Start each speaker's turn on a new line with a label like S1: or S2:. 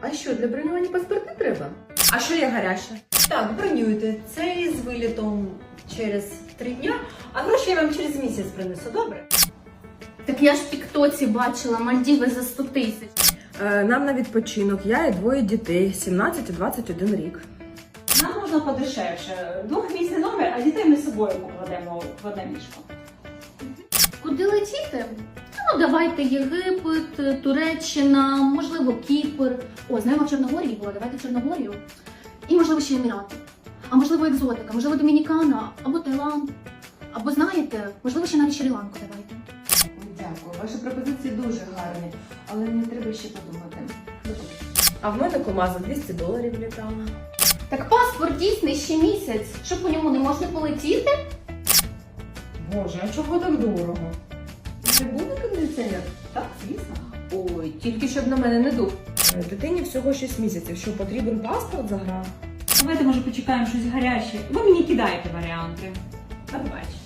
S1: А що, для бронювання паспорти треба?
S2: А що є гаряче?
S3: Так, бронюйте. Це з вилітом через 3 дня, а гроші я вам через місяць принесу, добре?
S4: Так я ж в тіктоці бачила Мальдіви за 100 тисяч.
S2: Нам на відпочинок, я і 2 дітей, 17 і 21 рік.
S5: Нам можна подешевше. 2-місний номер, а дітей ми з собою покладемо в одне ліжко.
S4: Куди летіти? Ну, давайте Єгипет, Туреччина, можливо, Кіпр. О, знаємо, в Чорногорії було, давайте в Чорногорію. І, можливо, ще Емірати. А можливо, екзотика, можливо, Домінікана, або Таїланд. Або, знаєте, можливо, ще навіть Шрі-Ланку давайте.
S1: Дякую, ваші пропозиції дуже гарні, але мені треба ще подумати.
S2: А в мене кома за $200 літала.
S4: Так паспорт дійсний ще місяць. Що по ньому не можна полетіти?
S2: Боже, а чого так дорого?
S1: Не буде кондиціонер?
S5: Так, звісно.
S1: Ой, тільки щоб на мене не дув.
S2: Дитині всього 6 місяців, що потрібен паспорт за гра?
S5: Давайте, може, почекаємо щось гаряче. Ви мені кидаєте варіанти. А бач.